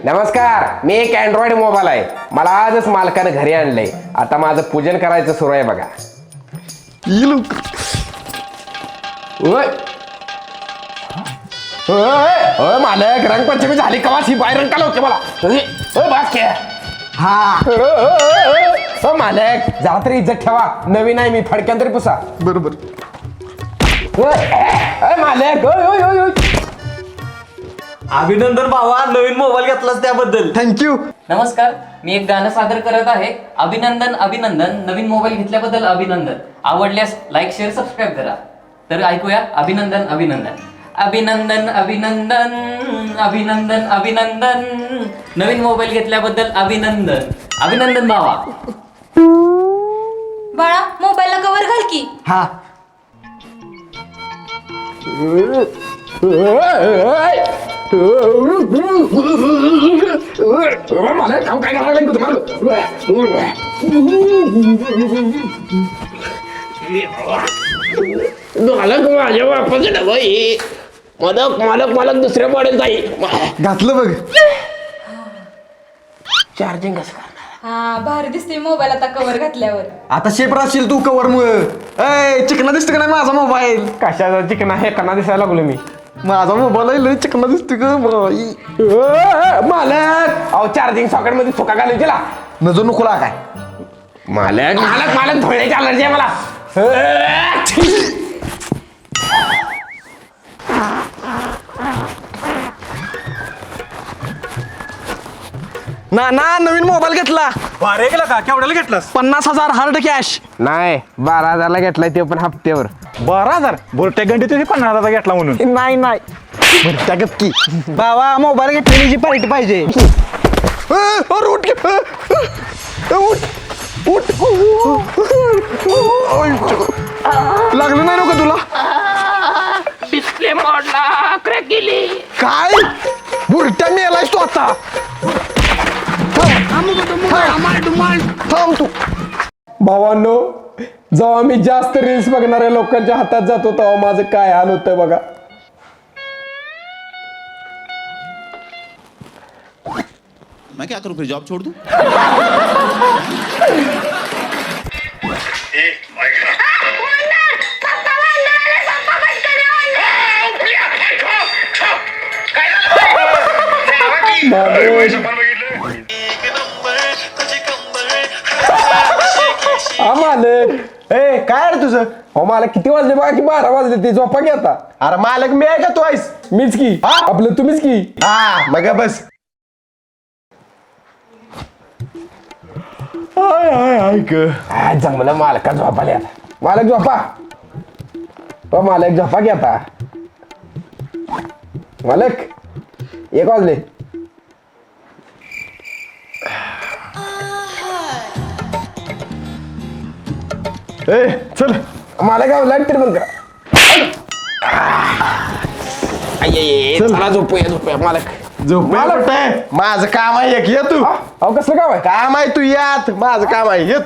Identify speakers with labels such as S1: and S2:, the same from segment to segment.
S1: नमस्कार, मी एक Android mobile आहे. मला आजच मालकानं घरी आणलंय. आता माझं पूजन करायचं सुरू आहे बघा. मालक, रंगपंचमी झाली कवा ही बाहेर रंग काला होते मला. मालक, जरा तरी इज्जत ठेवा. नवीन आहे मी, फडक्यान तरी पुसा.
S2: बरोबर.
S1: मालक,
S3: अभिनंदन भावा, नवीन मोबाईल घेतलास त्याबद्दल.
S2: थँक्यू.
S4: नमस्कार, मी एक गाणं सादर करत आहे. अभिनंदन अभिनंदन, नवीन मोबाईल घेतल्याबद्दल अभिनंदन. आवडल्यास लाईक शेअर सबस्क्राईब करा. तर ऐकूया अभिनंदन अभिनंदन. अभिनंदन अभिनंदन अभिनंदन अभिनंदन, नवीन मोबाईल घेतल्याबद्दल अभिनंदन. अभिनंदन भावा.
S5: बाळा, मोबाईलला कवर घाल की.
S2: हा.
S1: मला काम काय करायला लागलं तुम्हाला. माझ्या बापाचं डबाई मालक मालक मालक दुसऱ्या मॉडेल जाईल.
S2: घातलं बघ.
S1: चार्जिंग कसं करणार?
S5: हा, भारी दिसते मोबाईल आता कवर घातल्यावर.
S2: आता शेप राहशील तू कवर मुळे. चिकना दिसतो का नाही माझा मोबाईल?
S1: कशाचा चिकना हे कना दिसायला लागलो मी.
S2: माझा मोबाईल लय चिकना दिसतो का बाई.
S1: मालक, अहो चार्जिंग सॉकेट मध्ये चुका घालून गेला.
S2: नजर नको लागाय.
S1: मालक मालक मालक, धुळ्याची अलर्जी आहे मला.
S2: ना नवीन मोबाईल घेतला.
S3: अरे गेला का? केवढ्याला घेतलास?
S2: 50,000 हार्ड कॅश.
S1: नाही, 12,000ला घेतलाय ते पण हप्त्यावर.
S3: 12,000 बोलत्या घंटे तुझी 50,000 घेतला म्हणून.
S2: नाही भरत्या गप्की. बाबा, मोबाईल घेतलेली पार्टी पाहिजे. उठ लागलं नाही नका तुला?
S1: डिस्प्ले मोडला, क्रॅक गेली.
S2: काय बुरट्या मेलायस तू आता? थांब तू.
S1: भावांनो, जेव्हा मी जास्त रील्स बघणाऱ्या लोकांच्या हातात जातो तेव्हा माझं काय हाल होतं बघा.
S6: मैं क्या करूं, फिर जॉब छोड़ दूं?
S1: मालक,
S2: ए काय रे तुझं?
S1: हो मला किती वाजले बघा की 12 वाजले. ते झोपा की आता.
S2: अरे मालक मी आहे का तू आहेस?
S1: मीच की. आपलं तुम्हीच की.
S2: हा मग बस. ऐक
S1: जमलं मालका झोपाले आता. मालक झोपा. हो मालक झोपा की आता. मालक 1 वाजले.
S2: ए चल.
S1: मालक लाईट तरी बंद करा. चला झोपूया मालक.
S2: मालक माझं काम आहे एक. ये तू.
S1: अहो कसलं काम आहे?
S2: काम आहे तू यात. माझं काम आहे. ये तू.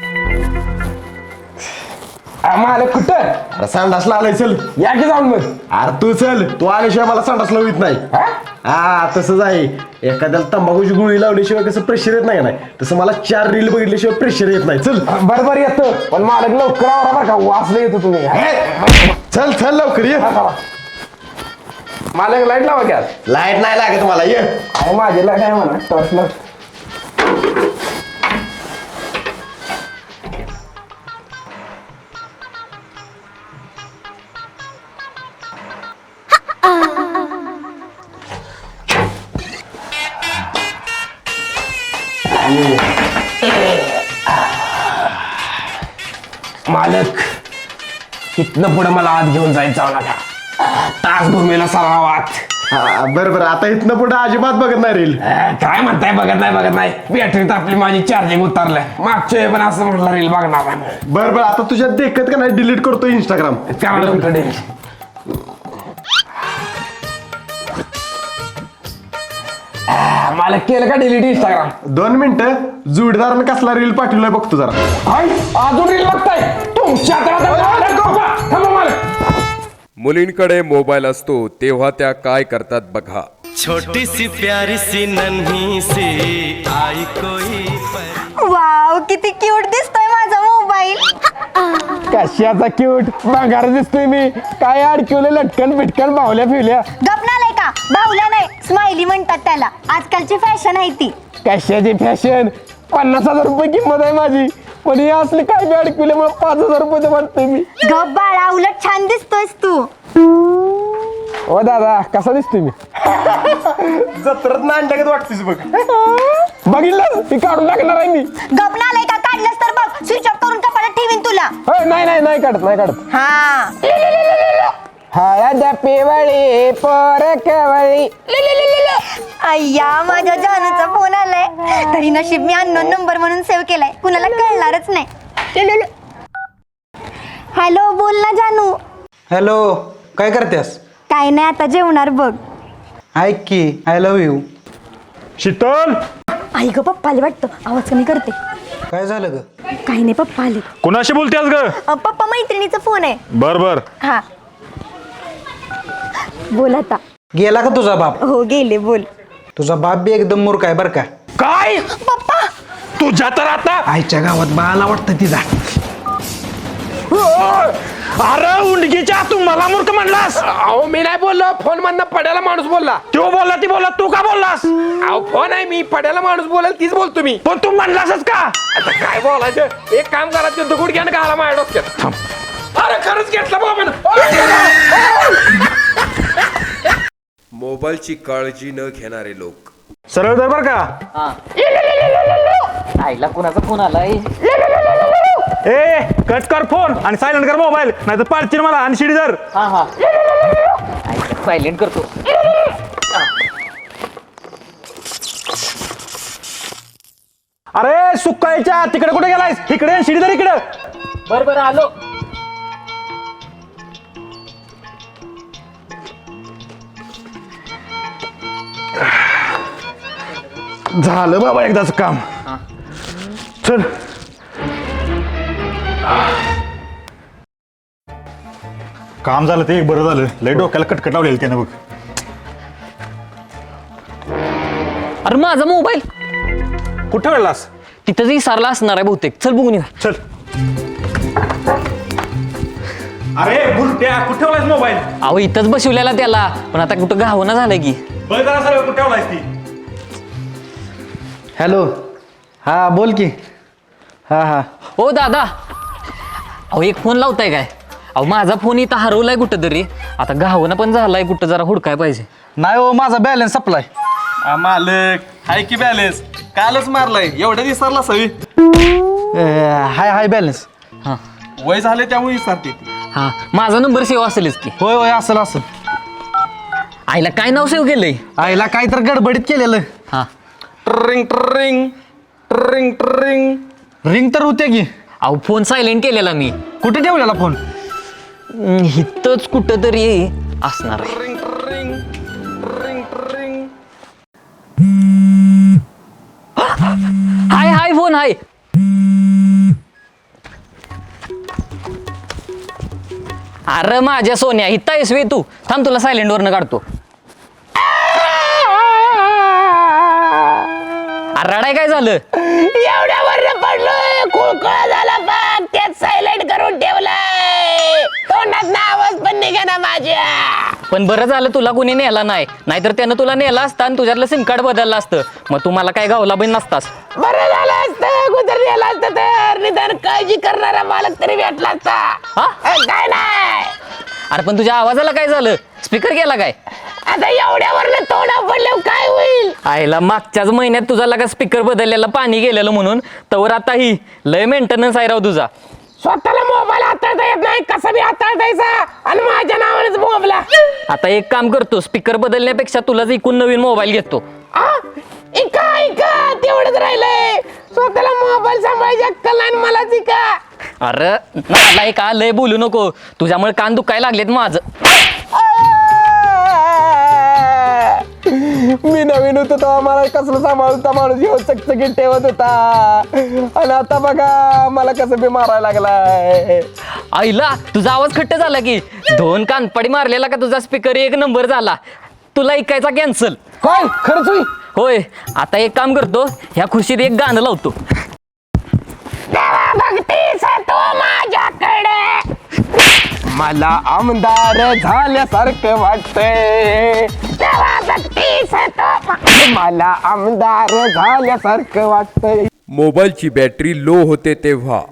S1: मालक कुठं?
S2: अरे संडासला आलाय. चल
S1: या की जाऊन मग.
S2: अरे तू चल. तू आल्याशिवाय मला संडासला होत नाही. हा तसंच आहे. एखाद्याला तंबाखूची गुळी लावल्याशिवाय कसं प्रेशर येत नाही तसं मला 4 रील बघितल्याशिवाय प्रेशर येत नाही. चल.
S1: बरोबर येतो, पण मालक लवकर आवरा बरं का. वाचलं येतो तुम्ही.
S2: चल चल लवकर ये.
S1: मालक लाईट लावा की आज.
S2: लाईट नाही लागत मला. ये.
S1: अहो माझी लाईट आहे म्हणा. टॉर्च लाव. मालक, इथनं पुढे मला आत घेऊन जायचं नका. तास भूमीला सरावात.
S2: हा बरं आता इथनं पुढे अजिबात बघत नाही रील.
S1: काय म्हणताय? बघत नाही. बॅटरीत आपली माझी चार्जिंग उतरलंय. मागच्या वेळी पण असं म्हटलं रील बघणार नाही.
S2: बरं आता तुझ्यात देखत का नाही डिलीट करतो इंस्टाग्राम.
S1: त्याकडे मालक केलं का डिलीट इंस्टाग्राम?
S2: 2 मिनिटं. जोडीदारानं कसला रील पाठवलाय बघतो जरा.
S1: अजून रील बघताय तुमच्या
S7: मुलींकडे मोबाईल असतो तेव्हा त्या काय करतात बघा. छोटी सी प्यारी सी नन्ही सी आई कोई
S8: वाव किती क्यूट दिसतोय माझा मोबाईल.
S1: कशाचा क्यूट भांगार दिसतोय मी. काय अडकवले लटकन बिटकन बावल्या फिवल्या.
S8: गपनालय का बाहुल्या नाही स्माइली म्हणतात त्याला. आजकालची फॅशन आहे ती.
S1: कशाची फॅशन. 50,000 रुपये किंमत आहे माझी. पण हे असले काय बी अडकवले मला 5,000 रुपये वाटतोय मी.
S8: गप बाळा उलट छान दिसतोयस तू.
S1: ओ दादा कसा दिसतोय मी.
S2: जत्रत नांडगत वाटतेस बघ.
S1: बघितलं मी काढून टाकणार आहे मी.
S8: गपनालय का काढलंस तर बघ स्विच ऑफ करून कपाटात ठेवीन तुला.
S1: नाही काढत.
S8: हा
S1: हळद पिवळी पोर कवळी.
S8: अय्या माझ्या जानूचा फोन आलाय. तरी नशीब मी अननोन नंबर म्हणून सेव्ह केलाय. कुणाला कळणारच नाही. हॅलो बोल ना जानू.
S9: हॅलो काय करतेस.
S8: काय नाही आता जेवणार बघ.
S9: ऐक की आय लव्ह यू.
S3: शीतल
S8: आई ग पप्पा आले वाटतं. आवाज कमी करते.
S9: काय झालं ग.
S8: काही नाही पप्पा आले.
S3: कुणाशी बोलतेस ग.
S8: पप्पा मैत्रिणीचा फोन आहे.
S3: बर
S8: हा बोल आता.
S9: गेला का तुझा बाप.
S8: हो गेले बोल.
S9: तुझा बाप बी एकदम मूर्ख आहे बर का.
S3: काय
S8: पप्पा
S3: तुझ्या तर आता.
S9: आईच्या गावात बाळाला वाटतं तिचा.
S3: अरे उंडगीच्या तू मला मूर्ख म्हणलास.
S1: अहो मी नाही बोललो. फोन मधनं पड्याला माणूस बोलला.
S3: तो बोलला ती बोलला तू का बोललास.
S1: अहो फोन आहे मी पड्याला माणूस बोलेल तीच बोलतो मी.
S3: पण तू म्हणलासच का.
S1: आता काय बोलायचं. एक काम करा ते दगड घ्या ना घाला माझ्या डोक्यात. अरे खरंच घेतला बाबा.
S10: मोबाईलची काळजी न घेणारे लोक.
S3: सरळ दर बर का.
S4: आईला कुणाचा फोन आलाय.
S3: ए कट कर फोन आणि सायलेंट कर मोबाईल नाही तर पाडशील मला आणि शिडी धर.
S4: हा सायलेंट करतो.
S3: अरे सुकायच्या तिकडे कुठे गेलायस. इकडे आणि शिडी धर इकडे.
S4: बर आलो.
S3: झालं बाबा एकदाच काम. चल काम झालं ते एक बरं झालं. लय डोक्याला कटकट लावलेलं त्यानं बघ.
S4: अरे माझा मोबाईल
S3: कुठं वेळलास.
S4: तिथंच विसरला असणार आहे बहुतेक. चल बघून या.
S3: चल. अरे बुरट्या कुठे ठेवलायस मोबाईल.
S4: अहो इथंच बसवलेला त्याला. पण आता कुठं घावना झालंय की.
S3: बघ जरा सगळं कुठे ठेवलायस ती.
S9: हॅलो हा बोल की. हा
S4: ओ दादा अहो एक फोन लावताय काय. अहो माझा फोन इथं हरवलाय कुठं तरी. आता घावना पण झालाय कुठं जरा हुडकाय पाहिजे.
S9: नाही हो माझा बॅलन्स सप्लाय.
S3: मालक हाय की बॅलन्स कालच मारलाय. एवढ्या दिवसाला सवी
S9: हाय बॅलन्स.
S4: हा
S3: वय झाले त्यामुळे विसरते.
S4: हा माझा नंबर सेव्ह असेलच की.
S9: होय असेल.
S4: आईला काय नाव सेव्ह केलंय.
S9: आईला काय तर गडबडीत केलेलं.
S4: हा
S3: ट्रिंग ट्रिंग ट्रिंग ट्रिंग.
S9: रिंग तर होते की.
S4: अहो फोन सायलेंट केलेला मी.
S9: कुठे ठेवलेला फोन.
S4: इथंच कुठं तरी असणार आहे.
S3: ट्रिंग ट्रिंग ट्रिंग ट्रिंग.
S4: Hi phone hi. अरे माझ्या सोन्या इथं आहेस वे तू. थांब तुला सायलेंट वरनं काढतो. अरे रडाय काय झालं.
S1: एवढ्या वर पडलोय. खोळखोळा झाला बघ. त्यात सायलेंट करून ठेवलाय. तोंडात आवाज पण निघाना माझ्या.
S4: पण बरं झालं तुला कोणी नेला नाही. नाहीतर त्यानं तुला नेला असता आणि तुझ्यातलं सिम कार्ड बदललं असतं. मग तुम्हाला काय गावला पण नसतास.
S1: बरं झालं असतं. गुजरलेला असतं तर निदान काळजी करणारा मालक तरी भेटला असता.
S4: हा
S1: काय नाही.
S4: अरे पण तुझ्या आवाजाला काय झालं. स्पीकर गेला काय.
S1: आता एवढ्यावर तोंडा पडल्यावर काय होईल.
S4: आईला मागच्याच महिन्यात तुझा लगा स्पीकर बदललेला पाणी गेलेलं म्हणून. तवर आता ही लय मेंटेनन्स आहे राव तुझा.
S1: स्वतःला मोबाईल हाताळता येत नाही. कसा बी हाताळतायचा आणि माझ्या नावानेच मोबाईल.
S4: आता एक काम करतो. स्पीकर बदलण्यापेक्षा तुलाच इकून नवीन मोबाईल घेतो.
S1: ऐका तेवढंच राहिलंय. स्वतःला मोबाईल सांभाळायची अक्कल नाही मलाच ऐका.
S4: अरे मला का लय बोलू नको. तुझ्यामुळे कान दुखायला लागलेत माझं.
S1: मी नवीन होतो तेव्हा मला कसलं सांभाळता माणूस घेऊन चकचकीत ठेवत होता. आणि आता बघा मला कसं बी मारायला लागलाय.
S4: आईला तुझा आवाज खट्ट झाला की. 2 कानपडी मारलेला का तुझा स्पीकर 1 नंबर झाला. तुला ऐकायचा कॅन्सल.
S1: काय खरंच होई?
S4: होय, आता एक काम करतो, ह्या खुर्शीत एक गाणं लावतो.
S1: मला आमदार झाल्यासारखं वाटतंय. मला आमदार झाल्यासारखं वाटतंय.
S10: मोबाईलची बॅटरी लो होते तेव्हा.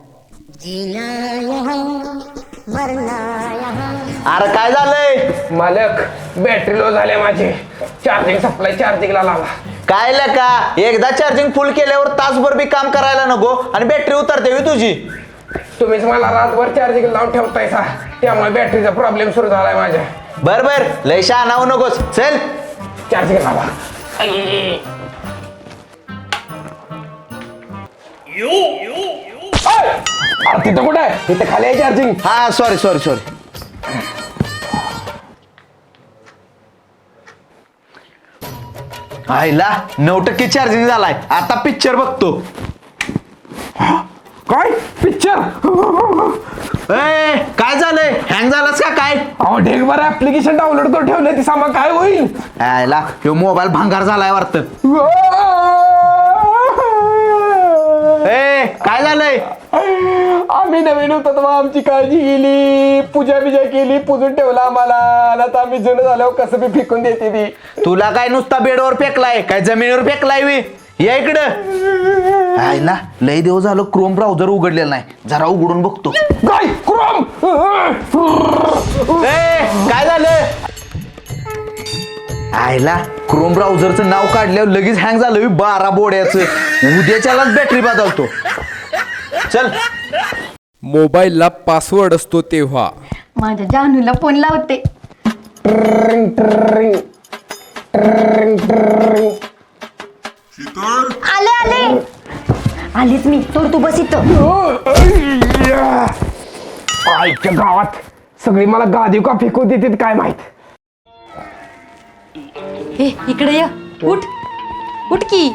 S2: अरे काय झालंय?
S1: मालक बॅटरी लो झाले माझे. चार्जिंग सप्लाय चार्जिंगला लावा.
S2: काय का एकदा चार्जिंग फुल केल्यावर तासभर बी काम करायला नको आणि बॅटरी उतरते होय तुझी.
S1: तुम्हीच मला रातभर चार्जिंग लावून ठेवतायसा, त्यामुळे बॅटरीचा प्रॉब्लेम सुरू झालाय माझ्या.
S2: बर बर लय शहाणा होऊ नकोस. चल
S1: चार्जिंग लावा. अरे तिथं कुठं आहे? तिथं खाली आहे चार्जिंग.
S2: हा सॉरी. आईला 9% चार्जिंग झालाय. आता पिक्चर बघतो.
S1: काय पिक्चर?
S2: ए काय झालंय? हँग झालास का काय?
S1: अहो ढेक बरं ऍप्लिकेशन डाउनलोड करून ठेवलंय, ती सामा काय होईल?
S2: आईला ह्यो मोबाईल भांगार झालाय वाटतं. ए काय झालंय?
S1: आम्ही नवीन होतो तेव्हा आमची काळजी गेली, पूजा बिजा केली, पुजून ठेवला आम्हाला. आता आम्ही जुनं झाल्यावर कसं बी फेकून देते ती.
S2: तुला काय नुसता बेडवर फेकलाय काय जमिनीवर फेकलाय वी? या इकडं. आईला लय दिवस झालं क्रोम ब्राउझर उघडलेला नाही, जरा उघडून बघतो.
S1: काय क्रोम?
S2: काय झालं? आईला क्रोम ब्राउझरचं नाव काढल्यावर लगेच हँग झालं 12 बोड्याचं. उद्याच्यालाच बॅटरी बदलतो. चल.
S10: मोबाईलला पासवर्ड असतो तेव्हा.
S8: माझ्या जानूला फोन लावते. आले आलीच मी. सोड तू बस इथं.
S1: आईच्या गावात सगळी मला गादी का फेकून देतात काय माहित.
S5: ए इकडे ये. उठ उठ की.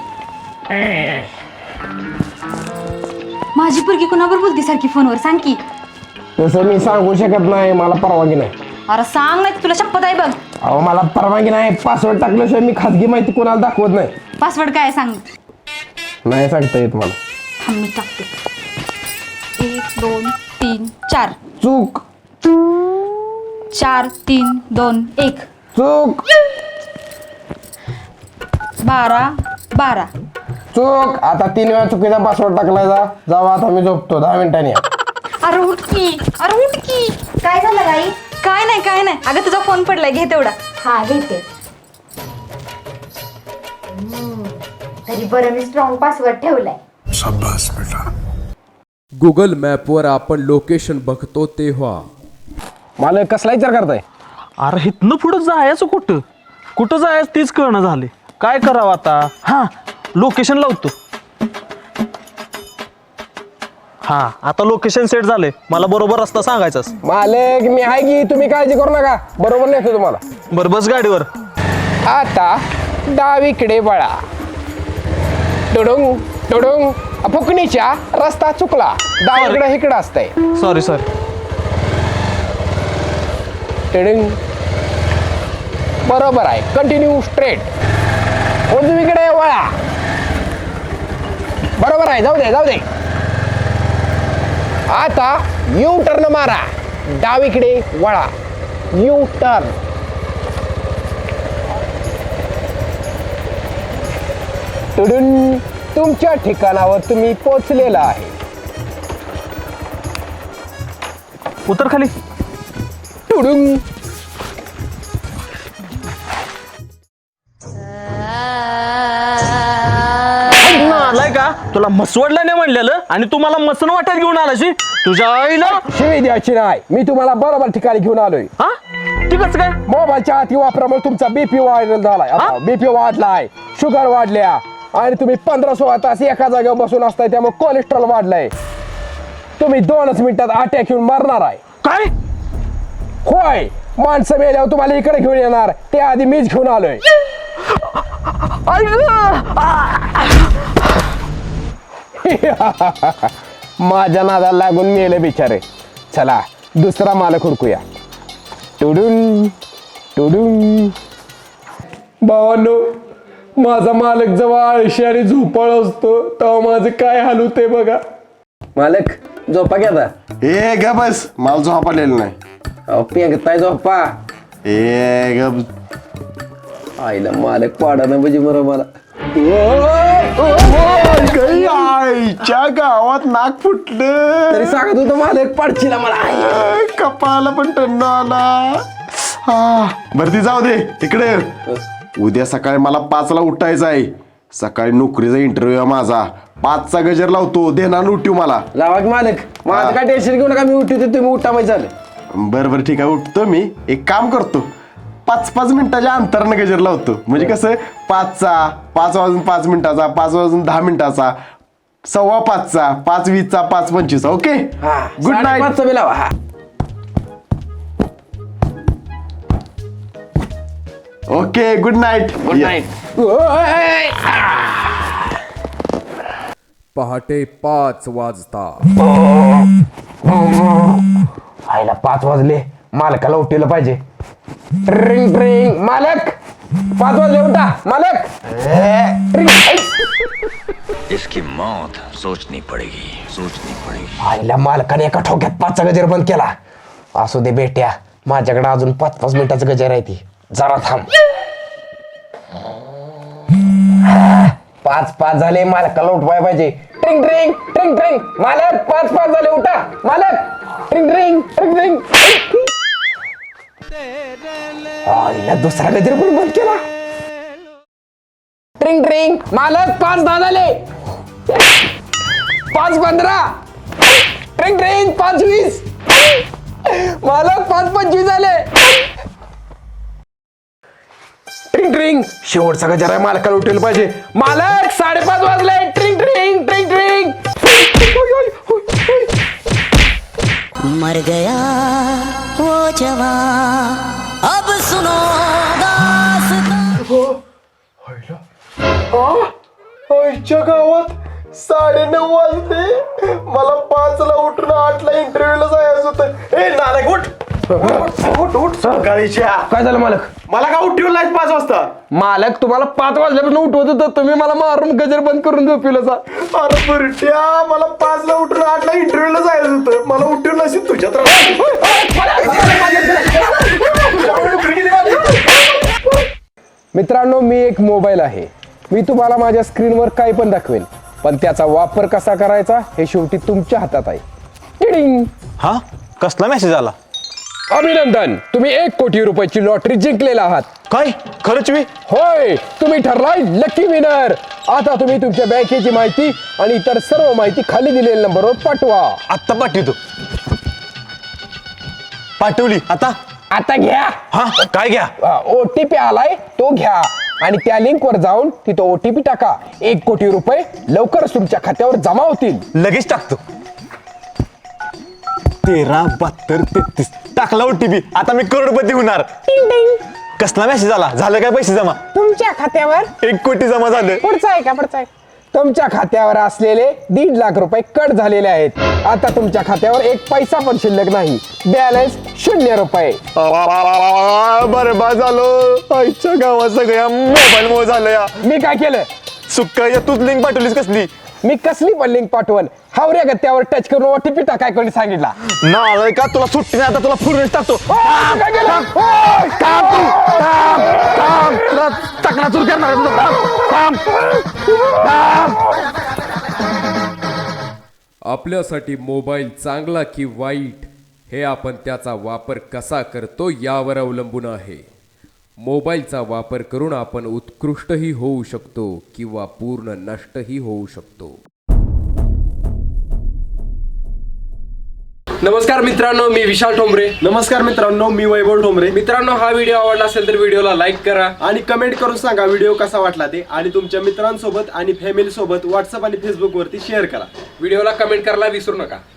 S5: माझी पोरगी कुणावर बोलती सारखी फोनवर? सांग की.
S1: तसं मी सांगू शकत नाही, मला परवानगी नाही.
S5: अरे सांग नाही, तुला शपथ आहे बघ.
S1: अहो मला परवानगी नाही. पासवर्ड टाकल्याशिवाय मी खाजगी माहिती कोणाला दाखवत नाही.
S5: पासवर्ड काय सांग.
S1: नाही सांगता येत मला.
S5: थांब मी टाकते. 1 2 3 4.
S1: चूक
S5: 4 3 2 1.
S1: चूक
S5: 12 12.
S1: चूक. आता 3 वेळा चुकीचा पासवर्ड टाकलाय. जावा आता मी झोपतो. 10 मिनिटांनी या.
S5: अरे उठ की. अरे उठ की.
S8: काय झालं गाई?
S5: काय नाही. अगं तुझा फोन पडलाय, घे तेवढा.
S8: हा घेते. तरी बरं मी स्ट्रॉंग पासवर्ड ठेवलाय.
S10: गुगल मॅपवर आपण लोकेशन बघतो तेव्हा.
S1: मला कसला विचार करताय?
S3: अरे हिथनं पुढं जायचं कुठं जायचं तीच कळणं झाले. काय करावं आता? हा लोकेशन लावतो. हा आता लोकेशन सेट झाले. मला बरोबर रस्ता सांगायचाच.
S1: मालक मी आहे की, तुम्ही काळजी करू नका. बरोबर नेतो तुम्हाला.
S3: बरं बस गाडीवर.
S1: आता डावीकडे वळा. टुडुंग टुडुंग. फुकणीच्या रस्ता चुकला. डावीकडे इकडं असतंय.
S3: सॉरी.
S1: टुडुंग. बरोबर आहे. Continue straight. उजवीकडे वळा. बरोबर आहे. जाऊ दे. आता यू टर्न मारा. डावीकडे वळा. U turn. टुडुन. तुमच्या ठिकाणावर तुम्ही पोहोचलेला आहे.
S3: उतर खाली.
S1: टुडुंग.
S3: आलाय का? तुला मसवडला नाही म्हणलेलं आणि तू मला मसन वाटत घेऊन आलाशी. तुझ्या आईला
S1: शिवी द्यायची नाही. मी तुम्हाला बरोबर ठिकाणी घेऊन आलोय.
S3: हा ठीकच काय?
S1: मोबाईलच्या अति वापरामुळे तुमचा बीपी वाढलेला झालाय. आता बीपी वाढलाय, शुगर वाढल्या आणि तुम्ही 15-16 तास एका जागेवर बसून असताय, त्यामुळे कोलेस्ट्रॉल वाढलाय. तुम्ही 2च मिनिटात अटॅक येऊन मरणार आहे.
S3: काय?
S1: होय. माणसं मेल्यावर तुम्हाला इकडे घेऊन येणार, ते आधी मीच घेऊन आलोय. माझ्या नादाला लागून मेले बिचारे. चला दुसरा मालक हुडकूया. टुडुन टुडुन भावांनो, माझा मालक जेव्हा आळशी आणि झोपाळ असतो तेव्हा माझं काय हाल होते बघा. मालक झोपा घ्या आता.
S2: ए ग बस, मला झोप आलेलं नाही.
S1: पेंगताय झोपा.
S2: ए ग
S1: आईला मालक पाडा ना म्हणजे बरं मला.
S2: आईच्या गावात नाक फुटलं.
S1: तरी सांगत होतं मालक पाडशीला मला.
S2: कपाळाला पण टन्न आला. हा बरं ती जाऊ दे तिकडे. उद्या सकाळी मला 5ला उठायचं आहे. सकाळी नोकरीचा इंटरव्ह्यू आहे माझा. 5चा गजर लावतो, देणार उठू मला.
S1: लावा की मालक. माझं काय टेन्शन घेऊ नका, मी उठवतो तुम्ही उठा माहिती झालं.
S2: बरं ठीक आहे, उठतो मी. एक काम करतो, 5-5 मिनिटाच्या अंतरानं गजर लावतो. म्हणजे कसं 5चा, 5 वाजून 5 मिनिटाचा, 5 वाजून 10 मिनिटाचा, 5:15चा, 5:20चा, 5:25चा. Okay, good night.
S1: 5:30 बी लावा. हा
S2: okay, good night.
S1: Good night.
S10: पहाटे 5 वाजता.
S1: आईला 5 वाजले, मालकाला उठवलं पाहिजे. ट्रिंग ट्रिंग. मालक 5 वाजले, उठा मालक. ट्रिंग.
S7: इसकी मौत सोचनी पड़ेगी.
S1: आईला मालकाने एका ठोक्यात 5चा गजर बंद केला. असू दे बेट्या, माझ्याकडे अजून 5-5 मिनिटाचं गजर आहे ती. जरा थांब. 5 झाले, मालकाला उठवाय पाहिजे. ट्रिंग ट्रिंग ट्रिंग ट्रिंग. मालक 5 झाले, उठा मालक. ट्रिंग ट्रिंग ट्रिंग ट्रिंग. आईला दुसरा गजर पण बंद केला. ट्रिंग ट्रिंग. मालक 5:10 झाले. 5:15. ट्रिंग ट्रिंग. 5:20. मालक 5:25 झाले. ट्रिंग ट्रिंग. शेवटचा गजर आहे, मालकाला उठवलं पाहिजे. मालक 5:30 वाजले. ट्रिंग ट्रिंग ट्रिंग ट्रिंग.
S11: मर गया वो जवान, अब सुनो दास्तां.
S2: आईच्या गावात 9:30 वाजले. मला 5ला उठून 8ला इंटरव्ह्यूला जायचं होतं. ए नालायक, उठ उठ उठ. सकाळीच्या
S1: काय झालं मालक?
S2: मला का उठवलं नाही 5 वाजता?
S1: मालक तुम्हाला 5 वाजल्यापासून उठवत होतं, तुम्ही मला मारून गजर बंद करून झोपिलं.
S2: अरे बुरट्या, मला 5ला उठून 8ला इंटरव्ह्यूला जायचं होतं. मला उठवलं नसेल तुझ्यात.
S1: मित्रांनो, मी एक मोबाईल आहे. मी तुम्हाला माझ्या स्क्रीनवर काही पण दाखवेन, पण त्याचा वापर कसा करायचा हे शेवटी तुमच्या हातात आहे. टिडिंग.
S3: हा कसला मेसेज आला?
S1: अभिनंदन, तुम्ही 1 कोटी रुपयाची लॉटरी जिंकलेला आहात.
S3: काय खरंच मी?
S1: होय, तुम्ही ठरलाय लकी विनर. आता तुम्ही तुमच्या बँकेची माहिती आणि इतर सर्व माहिती खाली दिलेल्या नंबरवर पाठवा.
S3: आत्ता पाठवतो. पाठवली. आता
S1: घ्या.
S3: हा काय घ्या?
S1: OTP आलाय, तो घ्या आणि त्या लिंक वर जाऊन तिथं OTP टाका. 1 कोटी रुपये लवकरच तुमच्या खात्यावर जमा होतील.
S3: लगेच टाकतो. 13, 72, 33 टाकला OTP. आता मी करोडपती होणार. कसला मेसेज आला? झालं काय पैसे जमा?
S1: तुमच्या खात्यावर
S3: 1 कोटी जमा झाले.
S1: पुढचा आहे का? पुढचा आहे. तुमच्या खात्यावर असलेले 1.5 लाख रुपये कट झालेले आहेत. आता तुमच्या खात्यावर 1 पैसा पण शिल्लक नाही. बॅलन्स 0 रुपये.
S3: बरबाद झालो. आईच्या गावात सगळ्या मोबाईल मुळे झालं या.
S1: मी काय केलं?
S3: सुक्काच्या तूच लिंक पाठवलीस कसली?
S1: मी कसली पण लिंक पाठवण? हावऱ्या गत्यावर टच करून OTP टाकाय कोणी सांगितला?
S3: नाही का तुला सुट्टी नाही. आता तुला फुरून टाकतो. चकनाचूर करणार.
S10: आपल्यासाठी मोबाईल चांगला की वाईट हे आपण त्याचा वापर कसा करतो यावर अवलंबून आहे. मोबाईलचा वापर करून आपण उत्कृष्टही होऊ शकतो किंवा पूर्ण नष्टही होऊ शकतो.
S1: नमस्कार मित्रांनो, मी विशाल ठोंबरे.
S2: नमस्कार मित्रांनो, मी वैभव ठोंबरे.
S1: मित्रांनो, हा व्हिडिओ आवडला असेल तर व्हिडिओला लाईक करा
S2: आणि कमेंट करून सांगा व्हिडिओ कसा वाटला ते. आणि तुमच्या मित्रांसोबत आणि फॅमिली सोबत व्हॉट्सअप आणि फेसबुक वरती शेअर करा.
S1: व्हिडिओला कमेंट करायला विसरू नका.